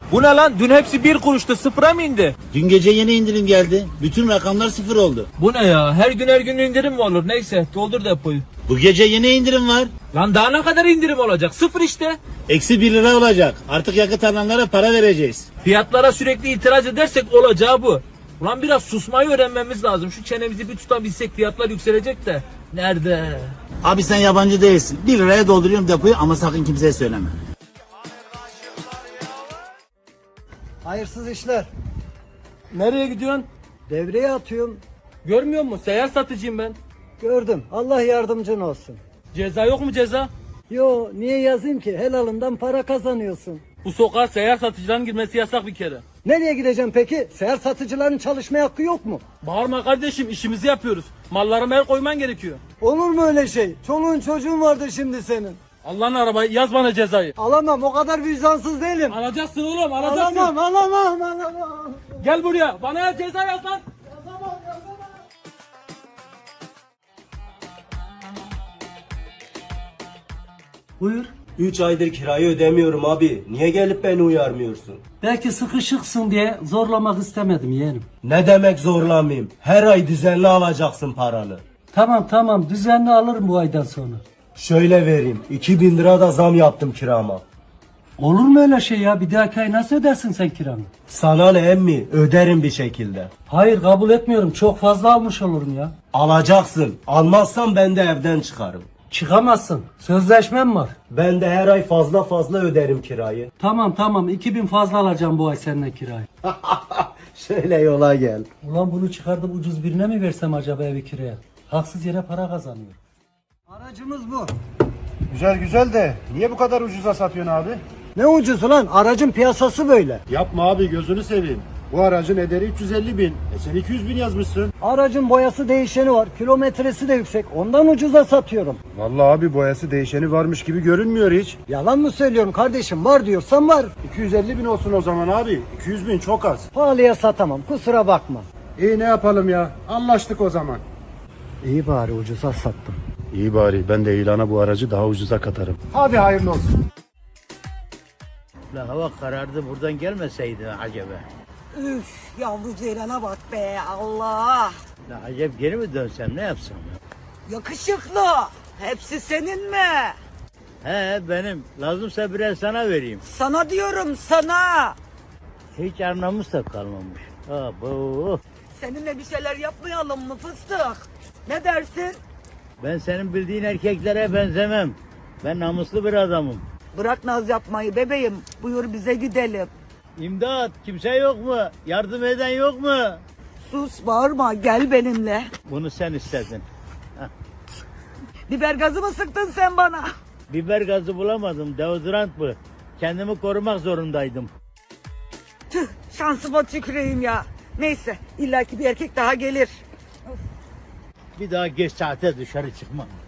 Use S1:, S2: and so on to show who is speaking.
S1: Bu ne lan? Dün hepsi 1 kuruştu, sıfıra mı indi?
S2: Dün gece yeni indirim geldi. Bütün rakamlar sıfır oldu.
S1: Bu ne ya? Her gün indirim mi olur? Neyse, doldur depoyu.
S2: Bu gece yeni indirim var.
S1: Lan daha ne kadar indirim olacak? Sıfır işte.
S2: Eksi 1 lira olacak. Artık yakıt alanlara para vereceğiz.
S1: Fiyatlara sürekli itiraz edersek olacağı bu. Ulan biraz susmayı öğrenmemiz lazım. Şu çenemizi bir tutabilsek fiyatlar yükselecek de. Nerede?
S2: Abi sen yabancı değilsin. 1 liraya dolduruyorum depoyu ama sakın kimseye söyleme.
S3: Hayırsız işler.
S1: Nereye gidiyorsun?
S3: Devreye atıyorum.
S1: Görmüyor musun? Seyyar satıcıyım ben.
S3: Gördüm. Allah yardımcın olsun.
S1: Ceza yok mu ceza?
S3: Yo, niye yazayım ki? Helalından para kazanıyorsun.
S1: Bu sokağa seyyar satıcıların girmesi yasak bir kere.
S3: Nereye gideceğim peki? Seher satıcıların çalışma hakkı yok mu?
S1: Bağırma kardeşim, işimizi yapıyoruz. Mallarıma el koyman gerekiyor.
S3: Olur mu öyle şey? Çoluğun çocuğun vardır şimdi senin.
S1: Allah'ın arabayı, yaz bana cezayı.
S3: Alamam, o kadar vicdansız değilim.
S1: Alacaksın oğlum, alacaksın.
S3: Alamam.
S1: Gel buraya, bana ceza yaz lan.
S3: Buyur.
S4: 3 aydır kirayı ödemiyorum abi. Niye gelip beni uyarmıyorsun?
S3: Belki sıkışıksın diye zorlamak istemedim yeğenim.
S4: Ne demek zorlamayayım? Her ay düzenli alacaksın paranı.
S3: Tamam düzenli alırım bu aydan sonra.
S4: Şöyle vereyim. 2000 lira da zam yaptım kirama.
S3: Olur mu öyle şey ya? Bir dahaki ay nasıl ödersin sen kiranı?
S4: Sana ne emmi? Öderim bir şekilde.
S3: Hayır, kabul etmiyorum. Çok fazla almış olurum ya.
S4: Alacaksın. Almazsan ben de evden çıkarım.
S3: Çıkamazsın. Sözleşmem var.
S4: Ben de her ay fazla öderim kirayı.
S3: Tamam 2000 fazla alacağım bu ay seninle kirayı.
S4: Şöyle yola gel.
S3: Ulan bunu çıkartıp ucuz birine mi versem acaba evi kiraya? Haksız yere para kazanıyor. Aracımız bu.
S5: Güzel de niye bu kadar ucuza satıyorsun abi?
S3: Ne ucuzu lan? Aracın piyasası böyle.
S5: Yapma abi gözünü seveyim. Bu aracın ederi 350 bin. Sen 200 bin yazmışsın.
S3: Aracın boyası değişeni var. Kilometresi de yüksek. Ondan ucuza satıyorum.
S5: Vallahi abi boyası değişeni varmış gibi görünmüyor hiç.
S3: Yalan mı söylüyorum kardeşim? Var diyorsan var.
S5: 250 bin olsun o zaman abi. 200 bin çok az.
S3: Pahalıya satamam. Kusura bakma.
S5: İyi ne yapalım ya? Anlaştık o zaman.
S3: İyi bari ucuza sattım.
S5: İyi bari ben de ilana bu aracı daha ucuza katarım. Hadi hayırlı olsun.
S2: La hava karardı, buradan gelmeseydi acaba.
S6: Üf, yavru Ceylan'a bak be Allah.
S2: La acaba geri mi dönsem, ne yapsam?
S6: Yakışıklı. Hepsi senin mi?
S2: He benim, lazımsa birer sana vereyim.
S6: Sana diyorum sana.
S2: Hiç anlamız da kalmamış. Abo.
S6: Seninle bir şeyler yapmayalım mı fıstık? Ne dersin?
S2: Ben senin bildiğin erkeklere benzemem. Ben namuslu bir adamım.
S6: Bırak naz yapmayı bebeğim. Buyur bize gidelim.
S2: İmdat, kimse yok mu? Yardım eden yok mu?
S6: Sus bağırma gel benimle.
S2: Bunu sen istedin.
S6: Biber gazı mı sıktın sen bana?
S2: Biber gazı bulamadım, deodorant bu. Kendimi korumak zorundaydım.
S6: Tüh şansıma tüküreyim ya. Neyse illaki bir erkek daha gelir.
S2: Bir daha geç saate dışarı çıkmam.